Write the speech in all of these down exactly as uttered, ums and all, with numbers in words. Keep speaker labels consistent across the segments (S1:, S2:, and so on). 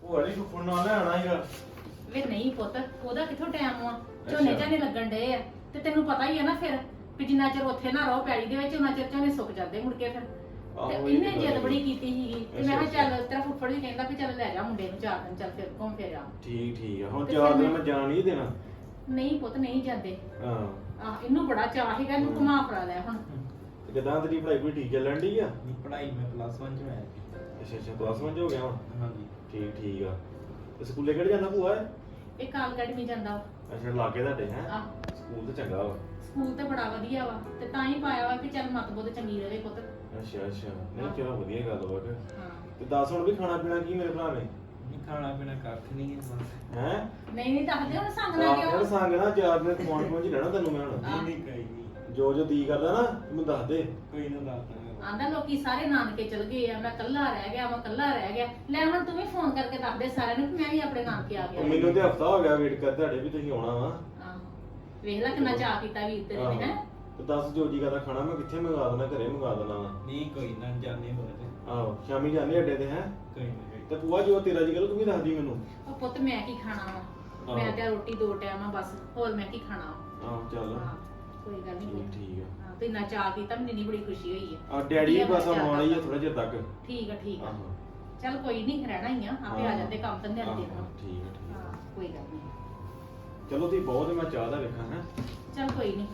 S1: ਭੂਆ ਜੀ ਫੁੱਫੜ ਨਾਲ ਲੈਣਾ ਹੀਗਾ।
S2: ਵੇ ਨਹੀਂ ਪੁੱਤ, ਉਹਦਾ ਕਿੱਥੋਂ ਟਾਈਮ ਆ, ਝੋਨੇ ਝਾਨੇ ਲੱਗਣ ਡਏ ਆ ਤੇ ਤੈਨੂੰ ਪਤਾ ਹੀ ਆ ਨਾ ਫਿਰ ਵੀ ਜਿੰਨਾ ਚਿਰ ਉੱਥੇ ਨਾ ਰਹੋ ਪੈਲੀ ਦੇ ਵਿੱਚ ਉਹਨਾਂ ਚਿਰ ਝੋਨੇ ਸੁੱਕ ਜਾਂਦੇ ਮੁੜ ਕੇ ਫਿਰ। ਤੇ ਇਹਨੇ ਜਿੱਦ ਬੜੀ ਕੀਤੀ ਸੀਗੀ ਤੇ ਮੈਂ ਕਿਹਾ ਚੱਲ ਤੇਰਾ ਫੁੱਫੜ ਵੀ ਕਹਿੰਦਾ ਵੀ ਚੱਲ ਲੈ ਜਾ ਮੁੰਡੇ ਨੂੰ ਚਾਰ ਦਿਨ, ਚੱਲ ਫਿਰ ਘੁੰਮ ਫਿਰ ਆ।
S1: ਠੀਕ ਠੀਕ ਆ, ਹੁਣ ਚਾਰ ਦਿਨ ਮੈਂ ਜਾਣ ਨਹੀਂ ਦੇਣਾ।
S2: ਨਹੀਂ ਪੁੱਤ ਨਹੀਂ ਜਾਂਦੇ।
S1: ਹਾਂ
S2: ਆਹ ਇਹਨੂੰ ਬੜਾ ਚਾਅ ਸੀਗਾ, ਇਹਨੂੰ ਘੁਮਾ ਫਰਾ ਲੈ ਹੁਣ।
S1: ਤੇ ਕਿਦਾਂ ਤੇਰੀ ਪੜ੍ਹਾਈ ਕੋਈ ਠੀਕ ਚੱਲਣ ਡਈ ਆ?
S3: ਪੜ੍ਹਾਈ ਮੈਂ ਪਲੱਸ ਵਨ ਚ ਹੋਇਆ।
S1: ਅੱਛਾ ਅੱਛਾ ਪਲੱਸ ਵਨ ਚ ਹੋ ਗਿਆ ਹੁਣ?
S3: ਹਾਂਜੀ
S1: ਠੀਕ ਠੀਕ ਆ। ਤੇ ਸਕੂਲੇ ਕਿਹੜੇ ਜਾਂਦਾ ਭੂਆ ਇਹ?
S2: ਇਹ ਕਾਲ ਅਕੈਡਮੀ ਜਾਂਦਾ ਵਾ।
S1: ਅੱਛਾ ਲਾਗੇ ਤੁਹਾਡੇ ਹੈ?
S2: ਆਹ
S1: ਸਕੂਲ ਤੇ ਚੰਗਾ ਵਾ।
S2: ਸਕੂਲ ਤੇ ਬੜਾ ਵਧੀਆ ਵਾ ਤੇ ਤਾਂ ਹੀ ਪਾਇਆ ਵਾ ਕਿ ਚੱਲ ਮਤ ਬੁੱਧ ਚੰਗੀ ਰਹੇ ਪੁੱਤ।
S1: ਅੱਛਾ ਅੱਛਾ ਨਹੀਂ ਚਲੋ ਵਧੀਆ ਗੱਲ ਵਾ ਕਿ।
S2: ਹਾਂ
S1: ਤੇ ਦੱਸ ਹੁਣ ਵੀ ਖਾਣਾ ਪੀਣਾ ਕੀ ਮੇਰੇ ਭਰਾ ਨੇ?
S3: ਨਹੀਂ ਖਾਣਾ ਪੀਣਾ ਕੱਖ ਨਹੀਂ ਹੈ ਬਸ।
S1: ਹੈ
S2: ਨਹੀਂ ਨਹੀਂ ਦੱਸਦੇ ਹੁਣ ਸੰਗ ਨਾ
S1: ਯਾਰ
S2: ਕਿਉਂ।
S1: ਸੰਗ ਨਾ ਚਾਰ ਦਿਨ ਕਮਾਉਣ ਪਹੁੰਚ ਲੈਣਾ ਤੈਨੂੰ ਮੈਂ ਹੁਣ।
S3: ਨਹੀਂ ਨਹੀਂ ਕੋਈ ਨਹੀਂ,
S1: ਜੋ ਜੋ ਦੀ ਕਰਦਾ ਨਾ ਮੈਨੂੰ ਦੱਸ ਦੇ।
S3: ਕੋਈ ਨਾ ਦੱਸਦਾ।
S2: ਆਂਦਾ ਲੋਕੀ ਸਾਰੇ ਨਾਨਕੇ ਚਲ ਗਏ ਆ, ਮੈਂ ਕੱਲਾ ਰਹਿ ਗਿਆ, ਮੈਂ ਕੱਲਾ ਰਹਿ ਗਿਆ। ਲੈ ਹੁਣ ਤੂੰ ਵੀ ਫੋਨ ਕਰਕੇ ਦੱਸ ਦੇ ਸਾਰਿਆਂ ਨੂੰ ਕਿ ਮੈਂ ਵੀ ਆਪਣੇ ਨਾਨਕੇ ਆ ਗਿਆ।
S1: ਉਹ ਮੈਨੂੰ ਤੇ ਹਫਤਾ ਹੋ ਗਿਆ ਵੇਟ ਕਰ ਤੁਹਾਡੇ ਵੀ ਤੁਸੀਂ ਆਉਣਾ ਵਾ।
S2: ਆਹੋ ਵੇਖ ਲੈ ਕਿੰਨਾ ਚਾਅ ਕੀਤਾ ਵੀਰ ਤੇਰੇ ਨੇ ਹੈ।
S1: ਤੇ ਦੱਸ ਜੋ ਜੀ ਕਰਦਾ ਖਾਣਾ ਮੈਂ ਕਿੱਥੇ ਮੰਗਾ ਦੇਣਾ, ਘਰੇ ਮੰਗਾ ਦੇਣਾ ਵਾ।
S3: ਨਹੀਂ ਕੋਈ ਨਾ ਜਾਣੇ ਹੋਰ
S1: ਆਹੋ ਸ਼ਾਮੀ ਜਾਂਦੇ ਅੱਡੇ ਤੇ ਹੈ।
S3: ਕੋਈ ਨਾ।
S1: ਤੇ ਭੂਆ ਜੋ ਤੇਰਾ ਜੀ ਕਰੋ ਤੂੰ ਵੀ ਦੱਸਦੀ ਮੈਨੂੰ।
S2: ਉਹ ਪੁੱਤ ਮੈਂ ਕੀ ਖਾਣਾ ਵਾ, ਮੈਂ ਤੇ ਰੋਟੀ ਦੋ ਟਾਈਮ ਆ ਬਸ, ਹੋਰ ਮੈਂ ਕੀ ਖਾਣਾ ਵਾ।
S1: ਆਹੋ ਚੱਲ
S2: ਹਾਂ ਕੋਈ ਗੱਲ ਨਹੀਂ।
S1: ਠੀਕ ਠੀਕ ਆ।
S2: ਹਾਂ ਤੇ ਇੰਨਾ ਚਾਅ ਕੀਤਾ, ਮੈਨੂੰ ਇੰਨੀ ਬੜੀ ਖੁਸ਼ੀ ਹੋਈ ਹੈ।
S1: ਆ ਡੈਡੀ ਵੀ ਬਸ ਆਉਣਾ ਹੀ ਆ ਥੋੜਾ ਜਿਹਾ ਤੱਕ।
S2: ਠੀਕ ਆ ਠੀਕ ਆ,
S1: ਆਹੋ
S2: ਚੱਲ ਕੋਈ ਨਹੀਂ ਰਹਿਣਾ ਹੀ ਆ, ਆਪੇ ਆ
S1: ਹਾਂ।
S2: ਜਾਂਦੇ ਕੰਮ ਧੰਦੇ
S1: ਆਹੋ,
S2: ਦੇ ਨਾਲ।
S1: ਠੀਕ ਆ ਠੀਕ ਆ।
S2: ਹਾਂ ਕੋਈ ਗੱਲ ਨਹੀਂ।
S1: ਚਲੋ ਤੁਸੀਂ ਬਹੁਤ ਮੈਂ ਚਾਹ ਦਾ ਵੇਖਾਂ ਹੈ।
S2: ਚੱਲ ਕੋਈ ਨਹੀਂ,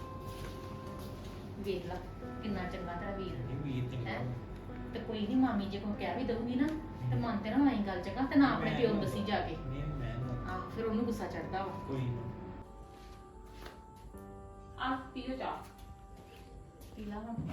S2: ਵੇਖ ਲਾ ਕਿੰਨਾ ਚੰਗਾ ਤੇਰਾ ਵੀਰ
S3: ਨਹੀਂ ਵੀਰ ਤੇ
S2: ਹੈ। ਤੇ ਕੋਈ ਨਹੀਂ ਮਾਮੀ ਜੇ ਕੋਈ ਕਹਿ ਵੀ ਦਊਗੀ ਨਾ ਤੇ ਮਨ ਤੇ ਨਾ ਆਈ ਗੱਲ ਚੰਗਾ, ਤੇ ਨਾ ਆਪਣੇ ਪਿਓ ਨੂੰ ਦੱਸੀ ਜਾ ਕੇ।
S3: ਨਹੀਂ ਮੈਂ ਨਾ-
S2: ਆਹ ਫਿਰ ਉਹਨੂੰ ਗੁੱਸਾ ਚੜਦਾ ਵਾ।
S3: ਕੋਈ ਨਾ।
S2: ਆ ਪੀਓ ਚਾਹ, ਪੀ ਲਾ ਹੁਣ।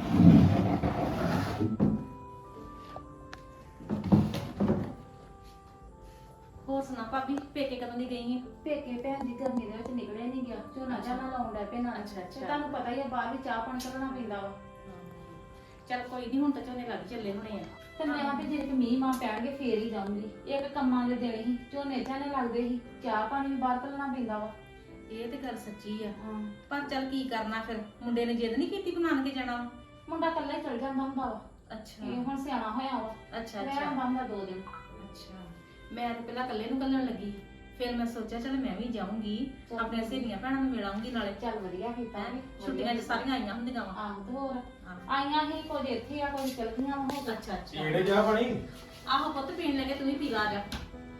S2: ਹੋਰ ਸੁਣਾ ਭਾਬੀ, ਪੇਕੇ ਕਦੋਂ ਦੀ ਗਈ ਹੈ?
S4: ਪੇਕੇ ਭੈਣ ਜੀ ਗਰਮੀ ਦੇ ਵਿੱਚ ਨਿਕਲਿਆ ਨਹੀਂ ਗਿਆ, ਝੋਨਾ ਝਾਨਾ ਲਾਉਣ ਡੈ ਪਏ ਨਾਲ।
S2: ਅੱਛਾ, ਅੱਛਾ।
S4: ਤੇ ਤੁਹਾਨੂੰ ਪਤਾ ਹੀ ਆ ਬਾਹਰ ਵੀ ਚਾਹ ਪਾਣੀ ਕਰਨਾ ਪੈਂਦਾ ਵਾ।
S2: ਚੱਲ ਕੋਈ ਨਹੀਂ, ਹੁਣ ਤਾਂ ਝੋਨੇ ਲੱਗ ਚੱਲੇ ਹੋਣੇ ਆ।
S4: ਤੇ ਮੈਂ ਆਪੇ ਜੇ ਕਿ ਮੀਂਹ ਮਾਂ ਪੈਣਗੇ ਫੇਰ ਹੀ ਜਾਊਂਗੀ। ਇੱਕ ਕੰਮਾਂ ਦੇ ਦਿਨ ਹੀ ਝੋਨੇ ਝਾਨੇ ਲੱਗਦੇ ਸੀ, ਚਾਹ ਪਾਣੀ ਵੀ ਬਾਹਰ ਕਰਨਾ ਪੈਂਦਾ ਵਾ।
S2: ਇਹ ਤੇ ਗੱਲ ਸੱਚੀ ਆ,
S4: ਹਾਂ
S2: ਪਰ ਚੱਲ ਕੀ ਕਰਨਾ ਫਿਰ, ਮੁੰਡੇ ਨੇ ਜਿੱਦ ਨਹੀਂ ਕੀਤੀ ਬਣਾ ਕੇ ਜਾਣਾ ਵਾ।
S4: ਮੁੰਡਾ ਇਕੱਲਾ ਹੀ ਚਲ ਜਾਂਦਾ ਹੁੰਦਾ ਵਾ।
S2: ਅੱਛਾ
S4: ਇਹ ਹੁਣ ਸਿਆਣਾ ਹੋਇਆ ਵਾ।
S2: ਅੱਛਾ
S4: ਮੈਂ
S2: ਅੱਛਾ
S4: ਬੰਦਾ ਦੋ ਦਿਨ।
S2: ਅੱਛਾ। ਮੈਂ ਤਾਂ ਪਹਿਲਾਂ ਇਕੱਲੇ ਨੂੰ ਕੱਲਣ ਲੱਗੀ, ਫਿਰ ਮੈਂ ਸੋਚਿਆ ਚੱਲ ਮੈਂ ਵੀ ਜਾਊਂਗੀ,
S4: ਚੱਲ।
S2: ਆਪਣੇ ਸਹੇਲੀਆਂ ਭੈਣਾਂ ਨੂੰ ਮਿਲਾਂਗੀ ਨਾਲੇ।
S4: ਚੱਲ ਵਧੀਆ ਕੀਤਾ
S2: ਹੈਂ?
S4: ਵਧੀਆ
S2: ਛੁੱਟੀਆਂ 'ਚ
S4: ਕੀਤਾ।
S2: ਸਾਰੀਆਂ ਆਈਆਂ ਹੁੰਦੀਆਂ ਵਾ।
S4: ਆਹ ਤੇ ਹੋਰ
S2: ਹਾਂ।
S4: ਆਈਆਂ ਹੀ ਕੁਝ ਇੱਥੇ ਆ ਕੁਝ ਚਲ ਗਈਆਂ ਹੋ ਗਈਆਂ।
S2: ਅੱਛਾ ਅੱਛਾ।
S1: ਕਿਹੜੇ ਚਾਹ ਪਾਣੀ?
S2: ਆਹੋ ਪੁੱਤ ਪੀਣ ਲੱਗੇ, ਤੂੰ ਵੀ ਪੀ ਲਾ ਜਾ।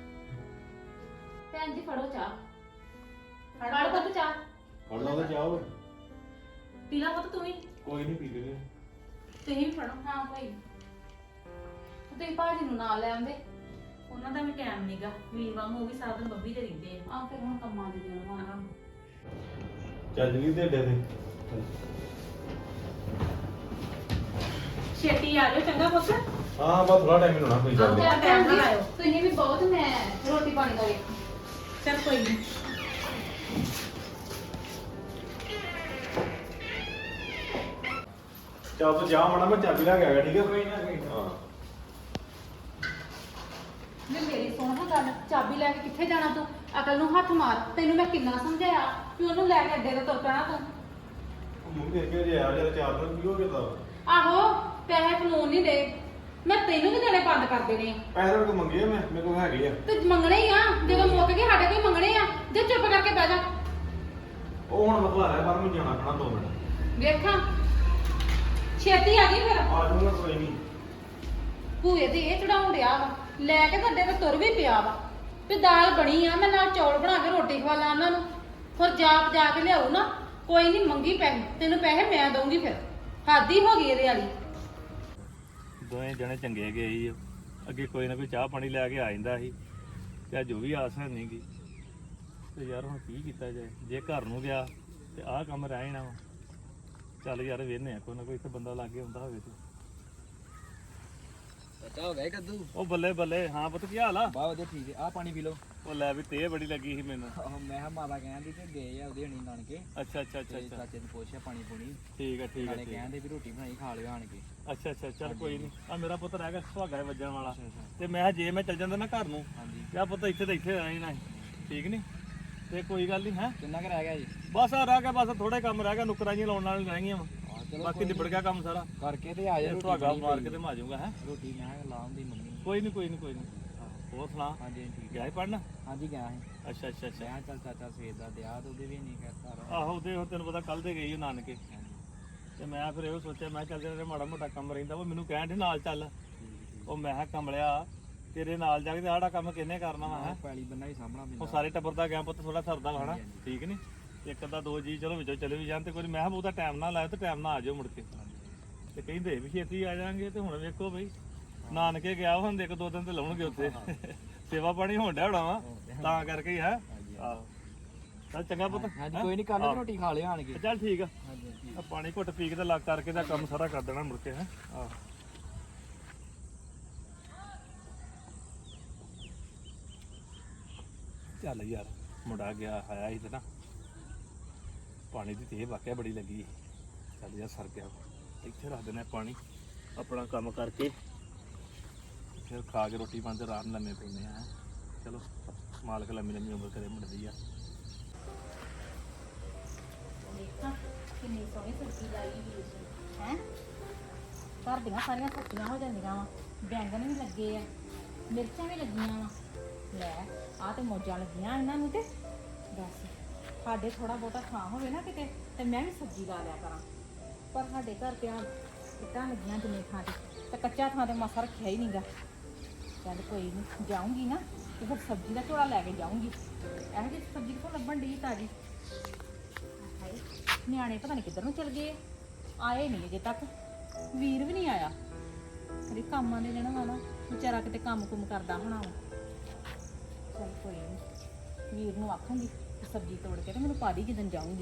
S4: ਭੈਣ ਜੀ ਫੜੋ ਚਾਹ,
S2: ਫੜ
S4: ਫੜ
S2: ਪੁੱਤ।
S4: ਪੁੱਤ ਚਾਹ।
S1: ਫੜ ਲਾ ਤੇ ਚਾਹ ਓਏ।
S2: ਪੀ ਲਾ ਪੁੱਤ ਤੂੰ ਵੀ,
S1: ਕੋਈ ਨਹੀਂ ਪੀ ਲੈਂਦੇ।
S2: ਤੁਸੀਂ ਵੀ ਫੜੋ।
S4: ਹਾਂ ਭਾਈ, ਤੁਸੀਂ ਭਾਜੀ ਨੂੰ ਨਾਲ ਲੈ ਆਉਂਦੇ।
S2: ਉਹਨਾਂ ਦਾ ਵੀ ਟਾਈਮ ਨਹੀਂਗਾ, ਵੀਰ ਵਾਂਗੂ ਉਹ ਵੀ ਸਾਰਾ ਦਿਨ ਬੱਬੀ ਤੇ ਰਹਿੰਦੇ ਆ।
S4: ਆ ਫਿਰ ਹੁਣ ਕੰਮਾਂ ਦੇ ਦਿਨ ਹੋਣਾ।
S2: ਆਹੋ।
S1: ਚੱਲ ਜੀ ਤੇ ਅੱਡੇ ਤੇ।
S2: ਛੇਤੀ ਆ ਜਾਓ ਚੰਗਾ ਪੁੱਤ।
S1: ਹਾਂ ਬਸ ਥੋੜਾ ਟਾਈਮ ਹੀ ਹੋਣਾ, ਕੋਈ ਗੱਲ ਨਹੀਂ।
S2: ਆਹੋ। ਟਾਈਮ ਨਾਲ ਆਇਓ।
S4: ਤੁਸੀਂ ਵੀ ਬਹੁਤ, ਮੈਂ ਰੋਟੀ ਪਾਣੀ ਦਾ ਵੇਖ।
S2: ਚੱਲ ਕੋਈ ਨਹੀਂ।
S1: ਚੱਲ ਤੂੰ ਜਾ ਮਾੜਾ, ਮੈਂ ਚਾਬੀ ਲੈ ਕੇ ਆ ਗਿਆ, ਠੀਕ ਹੈ?
S3: ਕੋਈ ਨਾ ਕੋਈ ਨਾ।
S1: ਹਾਂ
S4: ਮੈਂ ਮੇਰੀ ਸੁਣ ਹਾਂ ਗੱਲ, ਚਾਬੀ ਲੈ ਕੇ ਕਿੱਥੇ ਜਾਣਾ ਤੂੰ? ਅਕਲ ਨੂੰ ਹੱਥ ਮਾਰ। ਤੈਨੂੰ ਮੈਂ ਕਿੰਨਾ ਸਮਝਾਇਆ ਕਿ ਉਹਨੂੰ ਲੈ ਕੇ ਅੱਡੇ ਤੇ ਤੁਰ ਪੈਣਾ ਤੂੰ।
S1: ਉਹ ਮੰਮੀ ਦੇਖ ਕੇ ਜੇ ਆ ਜਦ ਚਾਰ ਦਿਨ ਕੀ ਹੋ ਗਿਆ ਤਾਂ
S4: ਆਹੋ ਪੈਸੇ ਕਾਨੂੰਨ ਨਹੀਂ ਦੇ, ਮੈਂ ਤੈਨੂੰ ਵੀ ਦੇਣੇ ਬੰਦ ਕਰ ਦੇਣੇ ਆ।
S1: ਪੈਸੇ ਮੇਰੇ ਕੋਲ ਮੰਗੇ ਆ, ਮੈਂ ਮੇਰੇ ਕੋਲ ਹੈਗੇ ਆ।
S4: ਤੇ ਮੰਗਣੇ ਹੀ ਆ, ਜਦੋਂ ਮੁੱਕ ਗਏ ਸਾਡੇ ਕੋਈ ਮੰਗਣੇ ਆ। ਜੇ ਚੁੱਪ ਕਰਕੇ ਬਹਿ ਜਾ।
S1: ਉਹ ਹੁਣ ਮੈਂ ਘਰ ਆ, ਬਾਹਰ ਨੂੰ ਜਾਣਾ ਪੈਣਾ ਦੋ ਮਿੰਟ।
S4: ਵੇਖਾਂ ਛੇਤੀ ਆ ਗਈ ਫਿਰ।
S1: ਆ ਜਾਊਂਗਾ ਕੋਈ ਨਹੀਂ।
S4: ਭੂਏ ਤੇ ਇਹ ਚੜਾਉਣ ਡਿਆ ਵਾ, ਲੈ ਕੇ ਤੁਹਾਡੇ ਤੇ ਤੁਰ ਵੀ ਪਿਆ ਵਾ ਵੀ ਦਾਲ ਬਣੀ ਆ, ਮੈਂ ਨਾਲ ਚੌਲ ਬਣਾ ਕੇ ਰੋਟੀ ਖਵਾ ਲਾਂ ਉਹਨਾਂ ਨੂੰ। ਫਿਰ ਜਾਪ ਜਾ ਕੇ ਲਿਆਉ ਨਾ। ਕੋਈ ਨਹੀਂ ਮੰਗੀ ਪੈਸੇ, ਤੈਨੂੰ ਪੈਸੇ ਮੈਂ ਦਊਂਗੀ। ਫਿਰ ਹੱਦ ਹੀ ਹੋ ਗਈ ਇਹਦੇ ਵਾਲੀ।
S5: ਦੋਵੇਂ ਜਣੇ ਚੰਗੇ ਗਏ ਸੀ। ਅੱਗੇ ਕੋਈ ਨਾ ਕੋਈ ਚਾਹ ਪਾਣੀ ਲੈ ਕੇ ਆ ਜਾਂਦਾ ਸੀ, ਤੇ ਅੱਜ ਉਹ ਵੀ ਆਸ ਹੈ ਨਹੀਂ ਗੀ। ਤੇ ਯਾਰ ਹੁਣ ਕੀ ਕੀਤਾ ਜਾਏ, ਜੇ ਘਰ ਨੂੰ ਗਿਆ ਤੇ ਆਹ ਕੰਮ ਰਹਿ ਜਾਣਾ ਵਾ। ਚੱਲ ਯਾਰ ਵੇਹਨੇ ਆ, ਕੋਈ ਨਾ ਕੋਈ ਇੱਥੇ ਬੰਦਾ ਲਾਗੇ ਹੁੰਦਾ ਹੋਵੇ ਤੇ।
S3: ਪਤਾ ਹੋ ਗਿਆ ਕੱਦੂ।
S5: ਉਹ ਬੱਲੇ ਬੱਲੇ। ਹਾਂ ਪੁੱਤ ਕੀ ਹਾਲ ਆ?
S3: ਬਾ ਵਧੀਆ ਠੀਕ ਹੈ। ਆ ਪਾਣੀ ਪੀ ਲਓ।
S5: ਉਹ ਲੈ ਵੀ ਤੇ ਬੜੀ ਲੱਗੀ ਸੀ ਮੈਨੂੰ।
S3: ਆਹੋ ਮੈਂ ਕਿਹਾ ਮਾਤਾ ਕਹਿੰਦੀ ਕਿ ਗਏ ਆ ਉਹਦੇ ਹਣੀ ਨਾਨਕੇ।
S5: ਅੱਛਾ ਅੱਛਾ ਅੱਛਾ
S3: ਤੇ
S5: ਅੱਛਾ
S3: ਚਾਚੇ ਨੂੰ ਪੁੱਛਿਆ ਪਾਣੀ ਪੂਣੀ।
S5: ਠੀਕ ਹੈ ਠੀਕ ਹੈ
S3: ਨਾਲੇ
S5: ਠੀਕ ਹੈ।
S3: ਕਹਿੰਦੇ ਵੀ ਰੋਟੀ ਬਣਾਈ ਖਾ ਲਿਓ ਆਣ ਕੇ।
S5: ਅੱਛਾ ਅੱਛਾ ਚੱਲ ਕੋਈ ਨਹੀਂ। ਆ ਮੇਰਾ ਪੁੱਤ ਰਹਿ ਗਿਆ ਸੁਹਾਗਾ ਵੱਜਣ ਵਾਲਾ।
S3: ਅੱਛਾ ਅੱਛਾ
S5: ਤੇ ਮੈਂ ਕਿਹਾ ਜੇ ਮੈਂ ਚੱਲ ਜਾਂਦਾ ਨਾ ਘਰ ਨੂੰ,
S3: ਹਾਂਜੀ।
S5: ਤੇ ਆ ਪੁੱਤ ਇੱਥੇ ਤਾਂ ਇੱਥੇ ਰਹਿਣਾ ਹੀ ਨਾ। ਠੀਕ ਨਹੀਂ ਤੇ ਕੋਈ ਗੱਲ ਨਹੀਂ ਹੈ।
S3: ਕਿੰਨਾ ਕੁ ਰਹਿ ਗਿਆ ਜੀ?
S5: ਬਸ ਆ ਰਹਿ ਗਿਆ, ਬਸ ਥੋੜੇ ਕੰਮ ਰਹਿ ਗਿਆ, ਨੁਕਰਾਂ ਜਿਹੀਆਂ ਲਾਉਣ ਵਾਲੀਆਂ ਰਹਿ ਗਈਆਂ ਵਾ।
S3: ਹਾਂ ਚਲੋ
S5: ਬਾਕੀ ਨਿਬੜ ਗਿਆ ਕੰਮ ਸਾਰਾ।
S3: ਕਰਕੇ ਤੇ ਆ ਜਾ।
S5: ਸੁਹਾਗਾ ਮਾਰ ਕੇ ਤੇ ਮੈਂ ਆ ਜਾਊਂਗਾ ਹੈ।
S3: ਰੋਟੀ ਮੈਂ ਲਾਉਣ ਦੀ ਮੰਮੀ।
S5: ਕੋਈ ਨਹੀਂ ਕੋਈ ਨਹੀਂ ਕੋਈ ਨਹੀਂ। ਹੋਰ ਸੁਣਾ
S3: ਹਾਂਜੀ ਹਾਂਜੀ, ਠੀਕ
S5: ਗਿਆ ਸੀ ਪੜਨ?
S3: ਹਾਂਜੀ ਗਿਆ ਸੀ।
S5: ਅੱਛਾ ਅੱਛਾ ਅੱਛਾ
S3: ਮੈਂ ਕਿਹਾ ਚੱਲ ਚਾਚਾ ਸਵੇਰ ਦਾ ਦਿਆ ਤੇ ਉਹਦੇ ਵੀ ਨਹੀਂ ਕਹਿ ਘਰ
S5: ਆਹੋ ਉਹਦੇ ਉਹ ਤੈਨੂੰ ਪਤਾ ਕੱਲ ਦੇ ਗਈ ਉਹ ਨਾਨਕੇ ਤੇ ਮੈਂ ਫਿਰ ਇਹੋ ਸੋਚਿਆ ਮੈਂ ਕਿਹਾ ਚੱਲ ਜਿਹੜਾ ਮਾੜਾ ਮੋਟਾ ਕੰਮ ਰਹਿੰਦਾ ਉਹ ਮੈਨੂੰ ਕਹਿਣ ਦੇ ਨਾਲ ਚੱਲ। ਉਹ ਮੈਂ ਕਿਹਾ ਕਮਲਿਆ ਤੇਰੇ ਨਾਲ ਜਾ ਕੇ ਤੇ ਆੜਾ ਕੰਮ ਕਿਹਨੇ ਕਰਨਾ ਵਾ ਹੈਂ?
S3: ਪੈਲੀ ਬੰਨਾ ਹੀ ਸਾਹਮਣਾ
S5: ਉਹ
S3: ਪੈਂਦਾ।
S5: ਸਾਰੇ ਟੱਬਰ ਦਾ ਗਿਆ ਪੁੱਤ ਥੋੜਾ ਸਰਦਾ ਵਾ ਹਨਾ
S3: ਹਾਂਜੀ, ਹਾਂਜੀ।
S5: ਠੀਕ ਨੀ ਇੱਕ ਅੱਧਾ ਦੋ ਜੀ ਚਲੋ ਵਿੱਚੋਂ ਚਲੇ ਵੀ ਜਾਣ ਤੇ ਕੋਈ ਨੀ। ਮੈਂ ਕਿਹਾ ਬਹੁਤਾ ਟਾਈਮ ਨਾ ਲਾਇਓ ਤੇ ਟਾਈਮ ਨਾ ਆ ਜਾਓ ਮੁੜ ਕੇ। ਤੇ ਕਹਿੰਦੇ ਵੀ ਛੇਤੀ ਆ ਜਾਾਂਗੇ ਤੇ ਹੁਣ ਵੇਖੋ ਬਈ ਨਾਨਕੇ ਗਿਆ ਹੁਣ ਇੱਕ ਦੋ ਦਿਨ ਤੇ ਲਾਉਣਗੇ ਉੱਥੇ ਸੇਵਾ ਪਾਣੀ ਹੋਣ ਡਿਆ ਹੋਣਾ ਵਾ ਤਾਂ ਕਰਕੇ ਹੀ ਹੈ। ਆਹੋ ਚੱਲ ਚੰਗਾ ਪੁੱਤ
S3: ਹਾਂਜੀ ਕੋਈ ਨਹੀਂ, ਕਰ ਲਓ ਰੋਟੀ ਖਾ ਲਿਓ ਆਣ ਕੇ।
S5: ਚੱਲ ਠੀਕ ਆ
S3: ਹਾਂਜੀ ਹਾਂਜੀ।
S5: ਆ ਪਾਣੀ ਘੁੱਟ ਪੀ ਕੇ ਤੇ ਲੱਗ ਕਰਕੇ ਦਾ ਕੰਮ ਸਾਰਾ ਕਰ ਦੇਣਾ ਮੁੜ ਕੇ ਹੈ। ਆਹ ਚੱਲ ਯਾਰ ਮੁੰਡਾ ਗਿਆ ਆਇਆ ਸੀ ਤੇ ਨਾ ਪਾਣੀ ਦੀ ਤੇ ਵਾਕਿਆ ਬੜੀ ਲੱਗੀ। ਚੱਲ ਯਾਰ ਸਰ ਗਿਆ ਇੱਥੇ ਰੱਖ ਦਿੰਦੇ ਪਾਣੀ ਆਪਣਾ ਕੰਮ ਕਰਕੇ ਫਿਰ ਖਾ ਕੇ ਰੋਟੀ ਪਾਣੀ ਤੇ ਰਾਤ ਨੂੰ ਲੰਮੇ ਪੈਂਦੇ ਆ। ਚਲੋ ਮਾਲਕ ਲੰਮੀ ਲੰਮੀ ਉਮਰ ਕਰੇ ਮੁੰਡੇ ਦੀ ਆ।
S2: ਦੇਖਾਂ ਕਿੰਨੀ ਸੋਹਣੀ ਸਬਜ਼ੀ ਲਾਈ ਹੋਈ ਹੈ। ਘਰ ਦੀਆਂ ਸਾਰੀਆਂ ਸਬਜ਼ੀਆਂ ਹੋ ਜਾਂਦੀਆਂ ਵਾ, ਬੈਂਗਣ ਵੀ ਲੱਗੇ ਆ, ਮਿਰਚਾਂ ਵੀ ਲੱਗੀਆਂ ਵਾ। ਲੈ ਆਹ ਤੇ ਮੌਜਾਂ ਲੱਗੀਆਂ ਇਹਨਾਂ ਨੂੰ ਤੇ ਦੱਸ ਸਾਡੇ ਥੋੜਾ ਬਹੁਤਾ ਥਾਂ ਹੋਵੇ ਨਾ ਕਿਤੇ ਤੇ ਮੈਂ ਵੀ ਸਬਜ਼ੀ ਲਾ ਲਿਆ ਕਰਾਂ, ਪਰ ਸਾਡੇ ਘਰ ਤੇ ਆ ਇੱਟਾਂ ਲੱਗੀਆਂ ਜਿੰਨੇ ਥਾਂ ਤੇ ਤੇ ਕੱਚਾ ਥਾਂ ਤੇ ਮਾਸਾ ਰੱਖਿਆ ਹੀ ਨਹੀਂਗਾ। ਚੱਲ ਕੋਈ ਨਹੀਂ ਜਾਊਂਗੀ ਨਾ ਤੇ ਫਿਰ ਸਬਜ਼ੀ ਦਾ ਝੋਲਾ ਲੈ ਕੇ ਜਾਊਂਗੀ। ਇਹੋ ਜਿਹੀ ਸਬਜ਼ੀ ਕਿੱਥੋਂ ਲੱਭਣ ਡਈ ਤਾਜ਼ੀ? ਹਾਏ ਨਿਆਣੇ ਪਤਾ ਨਹੀਂ ਕਿੱਧਰ ਨੂੰ ਚਲ ਗਏ, ਆਏ ਨਹੀਂ ਅਜੇ ਤੱਕ। ਵੀਰ ਵੀ ਨਹੀਂ ਆਇਆ, ਅਰੇ ਕੰਮਾਂ ਦੇ ਦੇਣਾ ਵਾ ਨਾ ਵਿਚਾਰਾ ਕਿਤੇ ਕੰਮ ਕੁਮ ਕਰਦਾ ਹੋਣਾ ਵਾ। ਚੱਲ ਕੋਈ ਨਹੀਂ ਵੀਰ ਨੂੰ ਆਖਾਂਗੀ ਕਿ ਸਬਜ਼ੀ ਤੋੜ ਕੇ ਤੇ ਮੈਨੂੰ ਪਾ ਦੀ ਜਦੋਂ ਜਾਊਂਗੀ।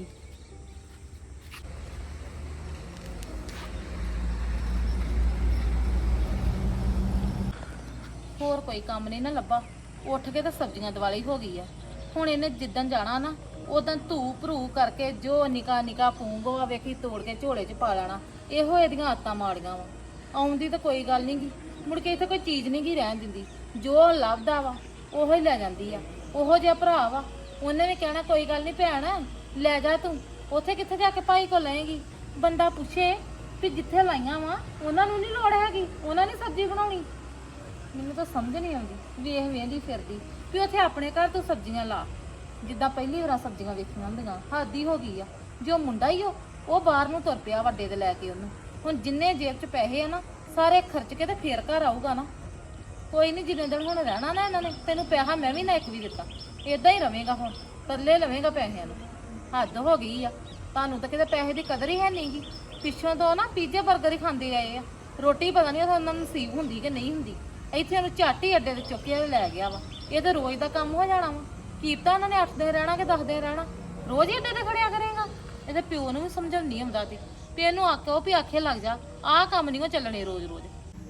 S2: ਹੋਰ ਕੋਈ ਕੰਮ ਨਹੀਂ ਨਾ ਲੱਭਾ, ਉੱਠ ਕੇ ਤਾਂ ਸਬਜ਼ੀਆਂ ਦਿਵਾਲੀ ਹੋ ਗਈ ਆ। ਹੁਣ ਇਹਨੇ ਜਿੱਦਣ ਜਾਣਾ ਨਾ ਉਦੋਂ ਧੂ ਭਰੂ ਕਰਕੇ ਜੋ ਨਿਕਾ ਨਿਕਾ ਪੂੰਗਵਾ ਵੇਖੀ ਤੋੜ ਕੇ ਝੋਲੇ 'ਚ ਪਾ ਲੈਣਾ। ਇਹੋ ਇਹਦੀਆਂ ਆਦਤਾਂ ਮਾੜੀਆਂ ਵਾ। ਆਉਂਦੀ ਤਾਂ ਕੋਈ ਗੱਲ ਨਹੀਂ ਗੀ, ਮੁੜ ਕੇ ਇੱਥੇ ਕੋਈ ਚੀਜ਼ ਨਹੀਂ ਗੀ ਰਹਿਣ ਦਿੰਦੀ। ਜੋ ਲੱਭਦਾ ਵਾ ਉਹੋ ਹੀ ਲੈ ਜਾਂਦੀ ਆ। ਉਹੋ ਜਿਹਾ ਭਰਾ ਵਾ, ਉਹਨੇ ਵੀ ਕਹਿਣਾ ਕੋਈ ਗੱਲ ਨਹੀਂ ਭੈਣ ਲੈ ਜਾ ਤੂੰ। ਉੱਥੇ ਕਿੱਥੇ ਜਾ ਕੇ ਭਾਈ ਕੋਲ ਲਏਗੀ? ਬੰਦਾ ਪੁੱਛੇ ਵੀ ਜਿੱਥੇ ਲਾਈਆਂ ਵਾ ਉਹਨਾਂ ਨੂੰ ਨਹੀਂ ਲੋੜ ਹੈਗੀ, ਉਹਨਾਂ ਨੇ ਸਬਜ਼ੀ ਬਣਾਉਣੀ। ਮੈਨੂੰ ਤਾਂ ਸਮਝ ਨਹੀਂ ਆਉਂਦੀ, ਵੇਖ ਵੇਂਦੀ ਫਿਰਦੀ ਵੀ ਉੱਥੇ ਆਪਣੇ ਘਰ ਤੂੰ ਸਬਜ਼ੀਆਂ ਲਾ ਜਿੱਦਾਂ ਪਹਿਲੀ ਵਾਰ ਸਬਜ਼ੀਆਂ ਵੇਖੀਆਂ ਹੁੰਦੀਆਂ। ਹੱਦ ਹੀ ਹੋ ਗਈ ਆ। ਜੋ ਮੁੰਡਾ ਹੀ ਉਹ ਉਹ ਬਾਹਰ ਨੂੰ ਤੁਰ ਪਿਆ ਵੱਡੇ ਦੇ ਲੈ ਕੇ ਉਹਨੂੰ। ਹੁਣ ਜਿੰਨੇ ਜੇਬ 'ਚ ਪੈਸੇ ਆ ਨਾ ਸਾਰੇ ਖਰਚ ਕੇ ਤੇ ਫੇਰ ਘਰ ਆਊਗਾ ਨਾ। ਕੋਈ ਨਹੀਂ ਜਿੰਨੇ ਦਿਨ ਹੁਣ ਰਹਿਣਾ ਨਾ ਇਹਨਾਂ ਨੇ, ਤੈਨੂੰ ਪੈਸਾ ਮੈਂ ਵੀ ਨਾ ਇੱਕ ਵੀ ਦਿੱਤਾ। ਇਦਾਂ ਹੀ ਰਵੇਂਗਾ ਹੁਣ, ਪੱਲੇ ਲਵੇਂਗਾ ਪੈਸਿਆਂ ਨੂੰ। ਹੱਦ ਹੋ ਗਈ ਆ। ਤੁਹਾਨੂੰ ਤਾਂ ਕਿਤੇ ਪੈਸੇ ਦੀ ਕਦਰ ਹੀ ਹੈ ਨਹੀਂ ਗੀ। ਪਿੱਛੋਂ ਤੋਂ ਨਾ ਪੀਜ਼ੇ 버ਗਰ ਹੀ ਖਾਂਦੇ ਆਏ ਆ। ਰੋਟੀ ਪਤਾ ਨਹੀਂ ਉਹਨਾਂ ਨੂੰ ਨਸੀਬ ਹੁੰਦੀ ਕਿ ਨਹੀਂ ਹੁੰਦੀ। ਇੱਥੇ ਉਹਨੂੰ ਝੱਟ ਹੀ ਅੱਡੇ ਤੇ ਚੁੱਕਿਆ ਲੈ ਗਿਆ ਵਾ। ਇਹ ਤਾਂ ਰੋਜ਼ ਦਾ ਕੰਮ ਹੋ ਜਾਣਾ ਵਾ। ਕੀਤਾ ਉਹਨਾਂ ਨੇ ਅੱਠ ਦਿਨ ਰਹਿਣਾ ਕਿ ਦਸ ਦਿਨ ਰਹਿਣਾ, ਰੋਜ਼ ਹੀ ਅੱਡੇ ਤੇ ਖੜਿਆ ਕਰੇਗਾ। ਇਹਦੇ ਪਿਓ ਨੂੰ ਵੀ ਸਮਝਣ ਨਹੀਂ ਆਉਂਦਾ ਤੇ ਵੀ ਇਹਨੂੰ ਆਖੋ ਵੀ ਆਖੇ ਲੱਗ ਜਾ। ਆਹ ਕੰਮ ਨਹੀਂ ਉਹ ਚੱਲਣੇ ਰੋਜ਼ ਰੋਜ਼।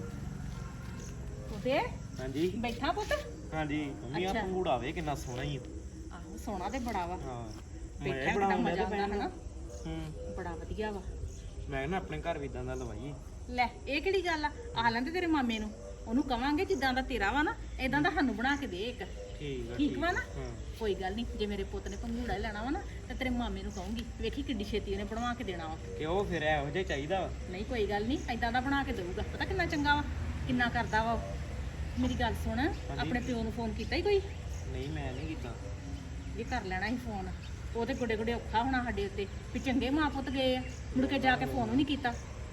S2: ਉਹਦੇ
S1: ਹਾਂਜੀ
S2: ਬੈਠਾ ਪੁੱਤ?
S1: ਹਾਂਜੀ ਮੰਮੀ ਆ
S2: ਅੱਛਾ।
S1: ਪੰਗੂੜਾ ਵੇ ਕਿੰਨਾ ਸੋਹਣਾ ਹੀ ਆ।
S2: ਆਹੋ ਸੋਹਣਾ ਤੇ ਬੜਾ ਵਾ।
S1: ਹਾਂ
S2: ਬੈਠਾ ਕਿੰਨਾ ਮਜ਼ਾ ਆਉਂਦਾ ਹਨਾ।
S1: ਹੂੰ
S2: ਬੜਾ ਵਧੀਆ ਵਾ।
S1: ਮੈਂ ਨਾ ਆਪਣੇ ਘਰ ਵੀ ਇਦਾਂ ਦਾ ਲਵਾਈਏ।
S2: ਲੈ ਇਹ ਕਿਹੜੀ ਗੱਲ ਆ? ਆ ਲੈਂਦੇ ਤੇਰੇ ਮਾਮੇ ਨੂੰ, ਉਹਨੂੰ ਕਵਾਂਗੇ ਜਿੱਦਾਂ ਦਾ ਤੇਰਾ ਵਾ ਨਾ ਇਦਾਂ ਦਾ ਸਾਨੂੰ ਬਣਾ ਕੇ ਦੇ ਇੱਕ।
S1: ਠੀਕ ਆ
S2: ਠੀਕ ਵਾ ਨਾ?
S1: ਹਾਂ
S2: ਕੋਈ ਗੱਲ ਨਹੀਂ, ਜੇ ਮੇਰੇ ਪੁੱਤ ਨੇ ਪੰਗੂੜਾ ਹੀ ਲੈਣਾ ਵਾ ਨਾ ਤੇ ਤੇਰੇ ਮਾਮੇ ਨੂੰ ਕਹੂੰਗੀ, ਵੇਖੀ ਕਿੱਡੀ ਛੇਤੀ ਉਹਨੇ ਬਣਵਾ ਕੇ ਦੇਣਾ ਵਾ।
S1: ਕਿ ਉਹ ਫਿਰ ਇਹੋ ਜਿਹਾ ਚਾਹੀਦਾ ਵਾ।
S2: ਨਹੀਂ ਕੋਈ ਗੱਲ ਨਹੀਂ, ਐਦਾਂ ਦਾ ਬਣਾ ਕੇ ਦੇਊਗਾ। ਪਤਾ ਕਿੰਨਾ ਚੰਗਾ ਵਾ, ਕਿੰਨਾ ਕਰਦਾ ਵਾ ਉਹ। ਮੇਰੀ ਗੱਲ ਸੁਣ, ਆਪਣੇ ਪਿਓ ਨੂੰ ਫੋਨ ਕੀਤਾ ਹੀ ਕੋਈ?
S1: ਨਹੀਂ ਮੈਂ ਨਹੀਂ ਕੀਤਾ।
S2: ਇਹ ਕਰ ਲੈਣਾ ਸੀ ਫੋਨ। ਉਹ ਤੇ ਗੁੱਡੇ ਗੁੱਡੇ ਔਖਾ ਹੋਣਾ ਸਾਡੇ ਉੱਤੇ ਵੀ ਚੰਗੇ ਮਾਂ ਪੁੱਤ ਗਏ ਆ, ਮੁੜ ਕੇ ਜਾ ਕੇ ਫੋਨ ਵੀ ਨਹੀਂ ਕੀਤਾ।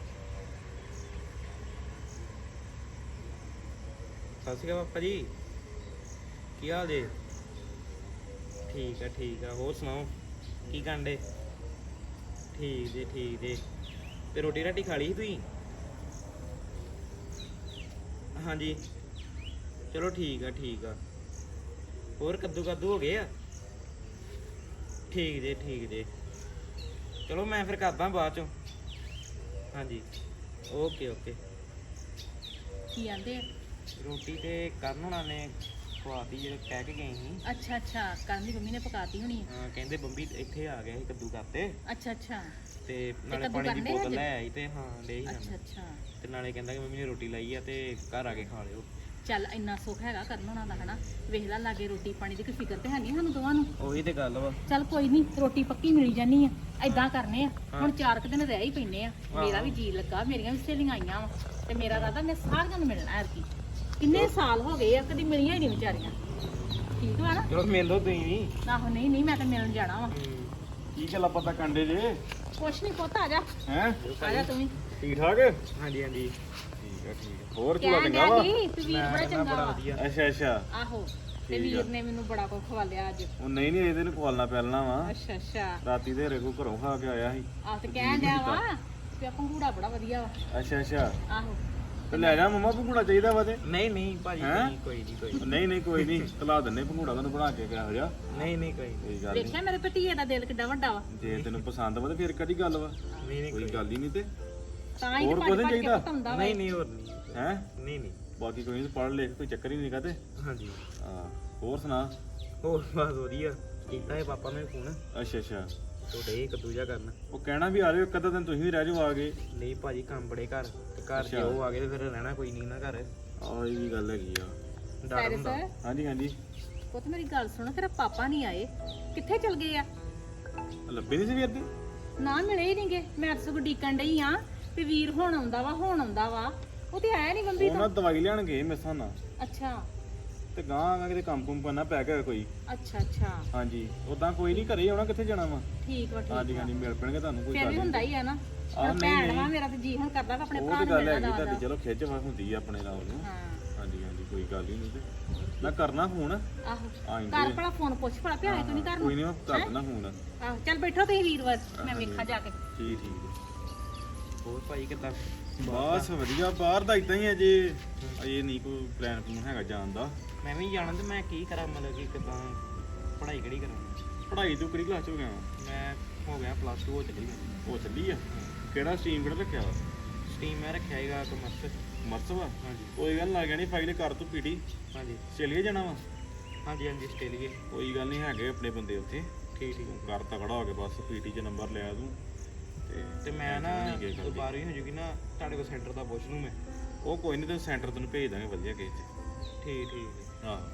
S1: ਸਤਿ ਸ਼੍ਰੀ ਅਕਾਲ ਪਾਪਾ ਜੀ, ਕੀ ਹਾਲ ਜੇ? ਠੀਕ ਆ ਠੀਕ ਆ, ਹੋਰ ਸੁਣਾਓ ਕੀ ਕਰਦੇ? ਠੀਕ ਜੇ ਠੀਕ ਜੇ। ਤੇ ਰੋਟੀ ਰਾਟੀ ਖਾ ਲਈ ਸੀ ਤੁਸੀਂ? ਹਾਂਜੀ ਚਲੋ ਠੀਕ ਆ ਠੀਕ ਆ। ਹੋਰ ਕੱਦੂ ਕੱਦੂ ਹੋ ਗਏ ਆ? ਠੀਕ ਜੇ ਠੀਕ ਜੇ। ਚਲੋ ਮੈਂ ਫਿਰ ਕਰਦਾ ਬਾਅਦ ਚੋਂ। ਹਾਂਜੀ ਓਕੇ ਓਕੇ।
S2: ਕੀ ਆਂਦੇ?
S1: ਰੋਟੀ ਤੇ ਕਰਨ ਹੋਣਾ ਨੇ ਖਵਾਤੀ ਜਿਹੜੇ ਕਹਿ ਕੇ ਗਏ ਸੀ।
S2: ਅੱਛਾ ਅੱਛਾ, ਕਰਨ ਦੀ ਮੰਮੀ ਨੇ ਪਕਾਤੀ ਹੋਣੀ ਆ।
S1: ਹਾਂ ਕਹਿੰਦੇ ਬੰਬੀ ਇੱਥੇ ਆ ਗਿਆ ਸੀ ਕੱਦੂ ਕਰਤੇ
S2: ਅੱਛਾ ਅੱਛਾ
S1: ਤੇ ਨਾਲੇ
S2: ਕੱਦੂ
S1: ਪਾਣੀ ਦੀ
S2: ਕਰਨੇ
S1: ਬੋਤਲ
S2: ਹਜੇ?
S1: ਲੈ ਆਈ ਤੇ ਹਾਂ ਡੇ ਹੀ
S2: ਅੱਛਾ ਅੱਛਾ।
S1: ਤੇ ਨਾਲੇ ਕਹਿੰਦਾ ਕਿ ਮੰਮੀ ਨੇ ਰੋਟੀ ਲਾਈ ਆ ਤੇ ਘਰ ਆ ਕੇ ਖਾ ਲਿਓ।
S2: ਚੱਲ ਇੰਨਾ ਸੁੱਖ ਹੈਗਾ ਕਰਨ ਹੋਣਾ ਦਾ ਹਨਾ। ਵੇਖ ਲਾ ਲਾਗੇ ਰੋਟੀ ਪਾਣੀ ਦੀ ਕੋਈ ਫਿਕਰ ਤੇ ਹੈ ਨਹੀਂ ਸਾਨੂੰ ਦੋਵਾਂ ਨੂੰ।
S1: ਉਹੀ ਤੇ ਗੱਲ ਵਾ।
S2: ਚੱਲ ਕੋਈ ਨਹੀਂ, ਰੋਟੀ ਪੱਕੀ ਮਿਲ ਜਾਨੀ ਆ। ਐਦਾਂ ਕਰਨੇ ਆ ਹੁਣ, ਚਾਰ ਕੁ ਦਿਨ ਰਹਿ ਹੀ ਪੈਨੇ ਆ। ਮੇਰਾ ਵੀ ਜੀ ਲੱਗਾ, ਮੇਰੀਆਂ ਵੀ ਸਹੇਲੀਆਂ ਆਈਆਂ ਵਾ ਤੇ ਮੇਰਾ ਰਾਦਾ ਮੈਂ ਸਾਰਿਆਂ ਨੂੰ ਮਿਲਣਾ ਐਰਕੀ। ਕਿੰਨੇ ਸਾਲ ਹੋ ਗਏ ਆ ਕਦੀ ਮਿਲੀਆਂ ਹੀ ਨਹੀਂ ਵਿਚਾਰੀਆਂ ਠੀਕ ਵਾ ਨਾ
S1: ਚਲੋ ਮਿਲ ਲਓ ਤੁਸੀਂ ਵੀ
S2: ਆਹੋ ਨਹੀਂ ਨਹੀਂ ਮੈਂ ਤਾਂ ਮਿਲਣ ਜਾਣਾ ਵਾ
S6: ਕੀ ਗੱਲਾਂ ਪਤਾ ਕੰਡੇ ਜੇ
S2: ਕੁਛ ਨਹੀਂ ਪੁੱਤ ਆ ਜਾ
S6: ਹੈ
S2: ਆ ਜਾ ਤੂੰ ਵੀ
S6: ਠੀਕ ਠਾਕ
S1: ਹਾਂਜੀ ਹਾਂਜੀ
S6: ਠੀਕ ਆ ਠੀਕ ਆ ਹੋਰ ਚੂੜਾ
S2: ਕਹਿਣ
S6: ਚੰਗਾ
S2: ਡਿਆ
S6: ਵਾ
S2: ਸੀ ਵੀ ਵੀਰ ਬੜਾ ਚੰਗਾ
S1: ਬੜਾ
S2: ਵਾ
S1: ਵਧੀਆ
S6: ਅੱਛਾ ਅੱਛਾ
S2: ਆਹੋ ਤੇ
S6: ਠੀਕ ਆ।
S2: ਵੀਰ ਨੇ ਮੈਨੂੰ ਬੜਾ ਕੁਝ ਖਵਾਲਿਆ ਅੱਜ
S6: ਉਹ ਨਹੀਂ ਨਹੀਂ ਇਹਦੇ ਨੂੰ ਖਵਾਲਣਾ ਪੈਲਣਾ ਵਾ
S2: ਅੱਛਾ ਅੱਛਾ
S6: ਰਾਤੀ ਦੇ ਰੇਗੂ ਘਰੋਂ ਖਾ ਕੇ ਆਇਆ ਸੀ
S2: ਆਹ ਤੇ ਕਹਿਣ ਡਿਆ ਵਾ ਵੀ ਆ ਪੰਗੂੜਾ ਬੜਾ ਵਧੀਆ ਵਾ
S6: ਅੱਛਾ ਅੱਛਾ
S2: ਆਹੋ
S6: ਤੇ ਲੈ ਜਾ ਮਮਾ ਭੰਗੂੜਾ ਚਾਹੀਦਾ ਵਾ ਤੇ
S1: ਨਹੀਂ ਨਹੀਂ ਭਾਜੀ
S6: ਹੈਂ?
S1: ਨਹੀਂ ਕੋਈ ਨਹੀਂ ਕੋਈ ਨੀ।
S6: ਨਹੀਂ ਨਹੀਂ ਕੋਈ ਨਹੀਂ ਖਲਾ ਦਿੰਨੇ ਭੰਗੂੜਾ ਤੁਹਾਨੂੰ ਬਣਾ ਕੇ ਕਿਹੋ ਜਿਹਾ
S1: ਨਹੀਂ ਨਹੀਂ ਕੋਈ ਨੀ।
S6: ਕੋਈ ਗੱਲ ਨਹੀਂ
S2: ਵੇਖਿਆ ਮੇਰੇ ਭਤੀਏ ਦਾ ਦਿਲ ਕਿੱਡਾ ਵੱਡਾ ਵਾ
S6: ਜੇ ਤੈਨੂੰ ਪਸੰਦ ਵਾ ਤੇ ਫਿਰ ਕਿਹੜੀ ਗੱਲ ਵਾ
S1: ਨਹੀਂ ਨਹੀਂ
S6: ਕੋਈ
S1: ਕੋਈ
S6: ਗੱਲ ਹੀ ਨਹੀਂ ਤੇ
S2: ਤਾਂ ਹੀ
S6: ਹੋਰ
S2: ਤੇ
S6: ਕੁਛ
S2: ਭੱਜ
S6: ਨੀ
S2: ਭੱਜ ਕੇ
S6: ਚਾਹੀਦਾ?
S2: ਪਤਾਉਂਦਾ ਵਾ
S1: ਨਹੀਂ ਨਹੀਂ ਹੋਰ ਨਹੀਂ
S6: ਹੈ
S1: ਨਹੀਂ ਨਹੀਂ
S6: ਬਾਕੀ ਕੋਈ ਨਹੀਂ ਪੜ੍ਹ ਲਿਖ ਕੋਈ ਚੱਕਰ ਹੀ ਨਹੀਂ ਕਾਤੇ
S1: ਹਾਂਜੀ
S6: ਹਾਂ ਹੋਰ ਸੁਣਾ
S1: ਹੋਰ ਬਸ ਵਧੀਆ ਕੀਤਾ ਹੈ ਪਾਪਾ ਨੇ ਫੋਨ
S6: ਅੱਛਾ ਅੱਛਾ
S1: ਤੁਹਾਡੇ ਇੱਕ ਦੂਜਾ ਕਰਨ
S6: ਉਹ ਕਹਿਣਾ ਵੀ ਆ ਜਾਓ ਇੱਕ ਅੱਧਾ ਦਿਨ ਤੁਸੀਂ ਵੀ ਰਹਿ ਜਾਓ ਆ ਗਏ
S1: ਨਹੀਂ ਭਾਜੀ ਕੰਮ ਬੜੇ ਘਰ ਤੇ ਘਰ ਜੇ
S6: ਅੱਛਾ।
S1: ਉਹ ਆ ਗਏ ਤੇ ਫਿਰ ਰਹਿਣਾ ਕੋਈ ਨਹੀਂ ਨਾ ਘਰ
S6: ਆਹ ਇਹ ਵੀ ਗੱਲ ਹੈਗੀ ਆ
S1: ਡਰ
S2: ਪੈਰਿਸ
S1: ਹੁੰਦਾ
S6: ਹਾਂਜੀ ਹਾਂਜੀ
S2: ਪੁੱਤ ਮੇਰੀ ਗੱਲ ਸੁਣ ਤੇਰਾ ਪਾਪਾ ਨਹੀਂ ਆਏ ਕਿੱਥੇ ਚਲ ਗਏ ਆ
S6: ਲੱਭੇ ਨਹੀਂ ਸੀ ਵੀਰ ਦੀ
S2: ਨਾ ਮਿਲੇ ਹੀ ਨਹੀਂਗੇ ਮੈਂ ਤਾਂ ਸਗੋਂ ਡੀਕਣ ਡਈ ਆ ਵੀ ਵੀਰ ਹੁਣ ਆਉਂਦਾ ਵਾ ਹੁਣ ਆਉਂਦਾ ਵਾ ਉਹ ਤੇ ਆਇਆ ਨਹੀਂ ਬੰਬੀ
S6: ਉਹ ਨਾ
S2: ਤੋਂ
S6: ਦਵਾਈ ਲੈਣ ਗਏ ਮੇਸਾਂ ਨਾਲ
S2: ਅੱਛਾ
S6: ਤੇ ਗਾਂ ਆ ਕਿਤੇ ਕੰਮ ਕੁੰਮ ਕਰਨਾ ਪੈ ਗਿਆ ਕੋਈ
S2: ਅੱਛਾ ਅੱਛਾ
S6: ਹਾਂਜੀ ਉਦਾਂ ਕੋਈ ਨਹੀਂ ਘਰੇ ਆਉਣਾ ਕਿੱਥੇ ਜਾਣਾ ਵਾ
S2: ਠੀਕ ਵਾ ਠੀਕ
S6: ਹਾਂਜੀ
S2: ਵਾ
S6: ਹਾਂਜੀ ਮਿਲ ਪੈਣਗੇ ਤੁਹਾਨੂੰ ਕੋਈ
S2: ਫਿਰ
S6: ਗੱਲ
S2: ਵੀ
S6: ਨਹੀਂ
S2: ਹੁੰਦਾ ਹੀ ਆ ਨਾ
S6: ਆਹ,
S2: ਹੁਣ
S6: ਨਹੀਂ,
S2: ਭੈਣ
S6: ਨਹੀਂ।
S2: ਵਾ ਮੇਰਾ ਤੇ ਜੀ ਹੁਣ ਕਰਦਾ ਵਾ ਆਪਣੇ
S6: ਉਹ
S2: ਭਰਾ
S6: ਤੇ
S2: ਨੂੰ
S6: ਗੱਲ
S2: ਮਿਲਣ
S6: ਹੈਗੀ
S2: ਦਾ
S6: ਤੁਹਾਡੀ ਚਲੋ ਖਿੱਚ ਵਾ ਹੁੰਦੀ ਆ ਆਪਣੇ ਨਾਲ ਨੂੰ
S2: ਹਾਂ
S6: ਹਾਂਜੀ ਹਾਂਜੀ ਕੋਈ ਗੱਲ ਹੀ ਨਹੀਂ ਤੇ ਮੈਂ ਕਰਨਾ ਫੋਨ
S2: ਆਹੋ
S6: ਆਏਂਗੇ
S2: ਘਰ ਭਲਾ ਫੋਨ ਪੁੱਛ ਭਲਾ ਪਿਆ ਤੂੰ ਨਹੀਂ ਕਰਨਾ
S6: ਕੋਈ ਨਹੀਂ ਮੈਂ ਕਰ ਦਿੰਦਾ ਫੋਨ
S2: ਆਹੋ ਚੱਲ ਬੈਠੋ ਤੁਸੀਂ ਵੀਰਵਾਰ ਮੈਂ ਵੇਖਾਂ ਜਾ ਕੇ
S6: ਠੀਕ ਠੀਕ
S1: ਹੋਰ ਭਾਈ ਕਿੱਦਾਂ
S6: ਬਸ ਵਧੀਆ ਬਾਹਰ ਦਾ ਇਦਾਂ ਹੀ ਅਜੇ ਅਜੇ ਨਹੀਂ ਕੋਈ ਪਲਾਨ ਪਲੂਨ ਹੈਗਾ ਜਾਣ ਦਾ
S1: ਮੈਂ ਵੀ ਜਾਣਾ ਤੇ ਮੈਂ ਕੀ ਕਰਾਂ ਮਤਲਬ ਕਿ ਕਿੱਦਾਂ ਪੜ੍ਹਾਈ ਕਿਹੜੀ ਕਰਾਂ
S6: ਪੜ੍ਹਾਈ ਤੂੰ ਕਿਹੜੀ ਕਲਾਸ ਚ ਹੋ ਗਿਆ ਵਾ?
S1: ਮੈਂ ਹੋ ਗਿਆ ਪਲੱਸ ਟੂ ਹੋ ਚੱਲੀ ਮੈਂ
S6: ਉਹ ਚੱਲੀ ਆ ਕਿਹੜਾ ਸਟਰੀਮ ਕਿਹੜਾ ਰੱਖਿਆ ਵਾ
S1: ਸਟ੍ਰੀਮ ਮੈਂ ਰੱਖਿਆ ਹੈਗਾ ਕਮਰਸ
S6: ਮਰਸ ਵਾ
S1: ਹਾਂਜੀ
S6: ਕੋਈ ਗੱਲ ਲੱਗ ਜਾਣੀ ਫਾਈਲ ਕਰ ਤੂੰ ਪੀਟੀ
S1: ਹਾਂਜੀ
S6: ਚਲੀਏ ਜਾਣਾ ਵਾ
S1: ਹਾਂਜੀ ਹਾਂਜੀ ਆਸਟ੍ਰੇਲੀਆ
S6: ਕੋਈ ਗੱਲ ਨਹੀਂ ਹੈਗੇ ਆਪਣੇ ਬੰਦੇ ਉੱਥੇ
S1: ਠੀਕ ਠੀਕ
S6: ਤੂੰ ਕਰ ਤਕੜਾ ਹੋ ਕੇ ਬਸ ਪੀਟੀ ਚ ਨੰਬਰ ਲਿਆ ਤੂੰ ਤੇ
S1: ਤੇ ਮੈਂ ਨਾ
S6: ਨਹੀਂ ਗਏ ਕਰਦੀ।
S1: ਬਾਰਵੀਂ ਹੋ ਜੂਗੀ ਨਾ ਤੁਹਾਡੇ ਕੋਲ ਸੈਂਟਰ ਦਾ ਪੁੱਛ ਲੂੰ ਮੈਂ
S6: ਉਹ ਕੋਈ ਨਹੀਂ ਤੈਨੂੰ ਸੈਂਟਰ ਤੈਨੂੰ ਭੇਜ ਦਾਂਗੇ ਵਧੀਆ ਕਿਸੇ ਚ
S1: ਠੀਕ ਠੀਕ
S6: ਆਹ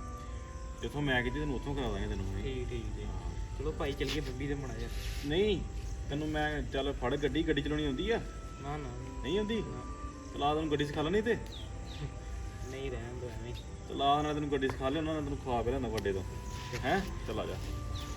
S6: ਜਿੱਥੋਂ ਮੈਂ ਕੀਤੀ ਤੈਨੂੰ ਉੱਥੋਂ ਕਰਾ ਦਾਂਗੇ ਤੈਨੂੰ ਅਸੀਂ।
S1: ਠੀਕ ਠੀਕ ਜੀ ਚਲੋ ਭਾਈ ਚੱਲੀਏ ਬੰਬੀ ਤੇ ਮੜਾ ਜਾ
S6: ਨਹੀਂ ਤੈਨੂੰ ਮੈਂ ਚੱਲ ਫੜ ਗੱਡੀ ਗੱਡੀ ਚਲਾਉਣੀ ਆਉਂਦੀ ਆ
S1: ਨਾ ਨਾ
S6: ਨਹੀਂ ਆਉਂਦੀ ਚਲਾ ਤੈਨੂੰ ਗੱਡੀ ਸਿਖਾ ਲੈਣੀ ਤੇ
S1: ਨਹੀਂ ਰਹਿਣ ਦੋ ਐਵੇਂ
S6: ਚਲਾ ਨਾਲ ਤੈਨੂੰ ਗੱਡੀ ਸਿਖਾ ਲਿਆ ਉਹਨਾਂ ਨੇ ਤੈਨੂੰ ਖਵਾ ਕੇ ਲਿਆਂਦਾ ਵੱਡੇ ਤੋਂ ਹੈ ਚਲਾ ਜਾ